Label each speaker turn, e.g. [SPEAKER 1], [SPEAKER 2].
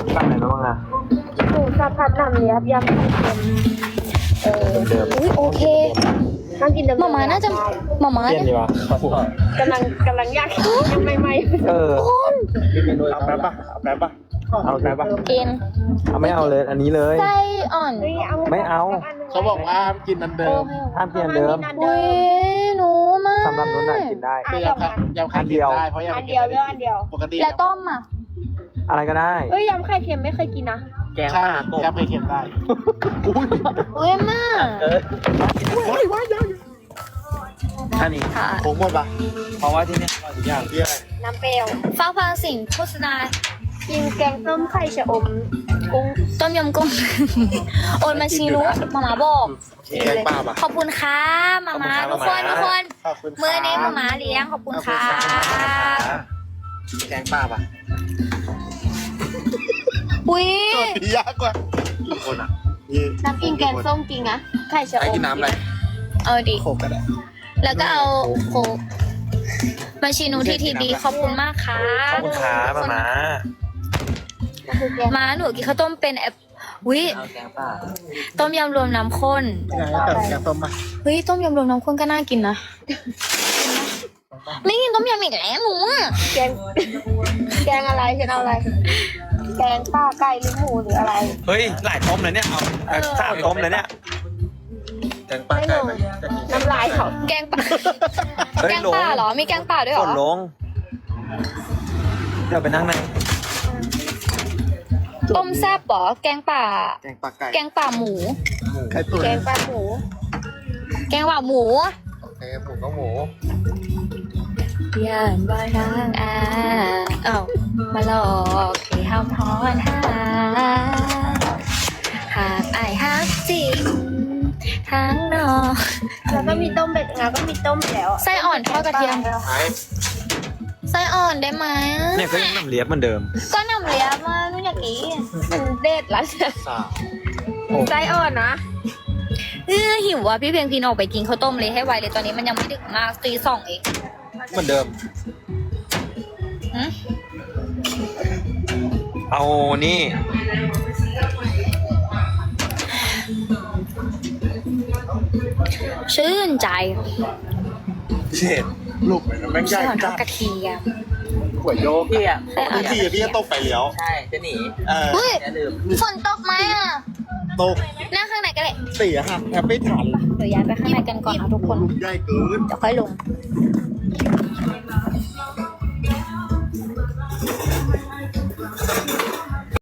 [SPEAKER 1] สั่งอะไรมาบ้างอะ
[SPEAKER 2] หมูสับผัดหนำเลียบยำไข่เค็มอุ้ยโอเคห้ามกินเดิม
[SPEAKER 3] หมาน่าจะหมา
[SPEAKER 1] เปลี่ยน
[SPEAKER 3] เนี่ย
[SPEAKER 1] ดีวะ
[SPEAKER 2] กำลังอยากยังใหม่
[SPEAKER 1] เออ
[SPEAKER 4] เอาแป๊บป่ะเอาแป๊บป่ะ
[SPEAKER 1] เอาแป๊บป่ะ
[SPEAKER 3] กิน
[SPEAKER 1] เอาไม่เอาเลยอันนี้เลย
[SPEAKER 3] ไส้อ่อน
[SPEAKER 2] ๆนี่เอา
[SPEAKER 1] ไม่เอา
[SPEAKER 4] เขาบอกว่าห้ามกินอันเดิม
[SPEAKER 1] ห้ามเปลี่ยนเดิม
[SPEAKER 3] อุ้ยหนูมาก
[SPEAKER 1] สำหรับนุ่นน่ะกินได้
[SPEAKER 4] คือยำไข่เค็มได้เพราะยำ
[SPEAKER 2] อั
[SPEAKER 4] ไข่
[SPEAKER 2] น
[SPEAKER 4] เค็
[SPEAKER 2] เดียว
[SPEAKER 4] ม
[SPEAKER 2] เลือกอันเดียว
[SPEAKER 4] ปกติ
[SPEAKER 3] แล้วต้มอ่ะ
[SPEAKER 1] อะไรก็ได้
[SPEAKER 2] เอ้ยยำไข่เค็มไม่เคยกินนะ
[SPEAKER 4] แกงข้าวยำไข่เค็มได้อุ้ย
[SPEAKER 3] อุ้ยมาก
[SPEAKER 1] อันนี้
[SPEAKER 3] ค่ะ
[SPEAKER 4] ผงหมดป่ะ
[SPEAKER 1] เพราะว่าที่นี่อร่อยทุกอย่าง
[SPEAKER 4] ที่อะไร
[SPEAKER 2] น้ำเปรี้ยว
[SPEAKER 3] ฟ้าฟังสิ่งโฆษณา
[SPEAKER 2] กินแกงส้มไข่ชะอมกุ้ง
[SPEAKER 3] ต้มยำกุ้ง โอนมาชีนุหมาบอก
[SPEAKER 4] แกงปลาป่ะ
[SPEAKER 3] ขอบคุณค่ะหมาทุกคนทุกคน
[SPEAKER 4] ขอบคุณ
[SPEAKER 3] มือนี้หมาเลี้ยงขอบคุณค่ะ
[SPEAKER 4] แกงปลาป่ะ
[SPEAKER 3] อุ้ย
[SPEAKER 4] โจทย์ยากกว่ากี่คนอ่ะ
[SPEAKER 2] น้ำกินแกงส้มจริงนะไข่ชะอ
[SPEAKER 4] ให้
[SPEAKER 2] ม
[SPEAKER 4] กินน้ำอะไร
[SPEAKER 3] เอาดิ
[SPEAKER 4] โคกก็ได้
[SPEAKER 3] แล้วก็เอาโคกมาชีนูที่ทีบีขอบคุณมากค่ะ
[SPEAKER 1] ขอบคุณครับมา
[SPEAKER 2] ก็คือแกง
[SPEAKER 3] มาหนูกินข้าวต้มเป็นแอบวิ
[SPEAKER 1] เอาแกงป่า
[SPEAKER 3] ต้มยำรวมน้ำข้น
[SPEAKER 4] ยังไงแต่แกงต้มป่ะ
[SPEAKER 3] เฮ้ยต้มยำรวมน้ำข้นก็น่ากินนะไม่กินต้มยำอีกแล้วหนูอะ
[SPEAKER 2] แกงแกงอะไรฉันเอาอะไร แกงป้าไก่หรือหมูหรืออะไร
[SPEAKER 1] เฮ้ยหลายต้มเลยเนี่ยเอาสามต้มเลยเนี่ย
[SPEAKER 4] แกงปลาไก่ไหม
[SPEAKER 2] น้ำลายเขา
[SPEAKER 3] แกงป่า
[SPEAKER 1] เฮ้ย
[SPEAKER 3] แกง
[SPEAKER 1] ลง
[SPEAKER 3] ป่าเหรอมีแกงป่าด้วยเห
[SPEAKER 1] ก
[SPEAKER 3] รอ
[SPEAKER 1] ดลงเดี๋ยวไปนั่งใน
[SPEAKER 3] ต้มแซ่บเหรอแกงป่า
[SPEAKER 4] แกงปลาไก่
[SPEAKER 3] แกงป่าหมู
[SPEAKER 4] ไข่ตุ๋น
[SPEAKER 2] แกงปลาหมู
[SPEAKER 3] แกงป่าหมู
[SPEAKER 4] โอเคหมูก็หมู
[SPEAKER 3] ย่านบ่ทางเอ้ามาหลอกให้ห้ามทอนหาหากอายฮักจริงทางนอก
[SPEAKER 2] แล้วก็มีต้มเป็ดแล้วก็มีต้มแล้ว
[SPEAKER 3] ไส้อ่อนทอดกระเทียม
[SPEAKER 4] ไอ้
[SPEAKER 3] ไส้อ่อนได้ไหม
[SPEAKER 1] เนี่ยก็ยังน้ำเลียบเหมือนเดิม
[SPEAKER 3] ก็นำเลียบมานู่นอย่างนี้
[SPEAKER 2] มันเด็ดละ
[SPEAKER 4] สาว
[SPEAKER 2] ไส้อ่อนนะ
[SPEAKER 3] หิวอ่ะพี่เพียงพินออกไปกินข้าวต้มเลยให้ไวเลยตอนนี้มันยังไม่ดึกมากตีสองเอง
[SPEAKER 4] เหมือนเดิม
[SPEAKER 3] หึ
[SPEAKER 1] เอานี่
[SPEAKER 3] ชื่นใจ
[SPEAKER 4] เช็ดลูกแม่งใหญ่
[SPEAKER 3] ไส้อ่อนท
[SPEAKER 4] จั
[SPEAKER 3] อด
[SPEAKER 4] ด
[SPEAKER 3] กระเทียม
[SPEAKER 4] หัวโยก
[SPEAKER 5] พี่อ่ะ
[SPEAKER 3] ไส้อ่อนทอดก
[SPEAKER 4] พี่
[SPEAKER 3] ระเที
[SPEAKER 4] พี่
[SPEAKER 3] ย
[SPEAKER 4] จะ
[SPEAKER 3] ม
[SPEAKER 4] ตกไปแล้ว
[SPEAKER 5] ใช่จะหนี
[SPEAKER 4] เออ
[SPEAKER 3] เฮ้ย
[SPEAKER 5] อย่าลืม
[SPEAKER 3] ฝนตกไหมอ่ะ
[SPEAKER 4] ตก
[SPEAKER 3] นั่งข้างในก็ได้
[SPEAKER 4] เสียหักแทบไม่ทัน
[SPEAKER 3] เดี๋ยวย้ายไปข้างในกันก่อนนะทุกคน
[SPEAKER 4] ลูกใหญ่เกิน
[SPEAKER 3] เดี๋ยวค่อยลง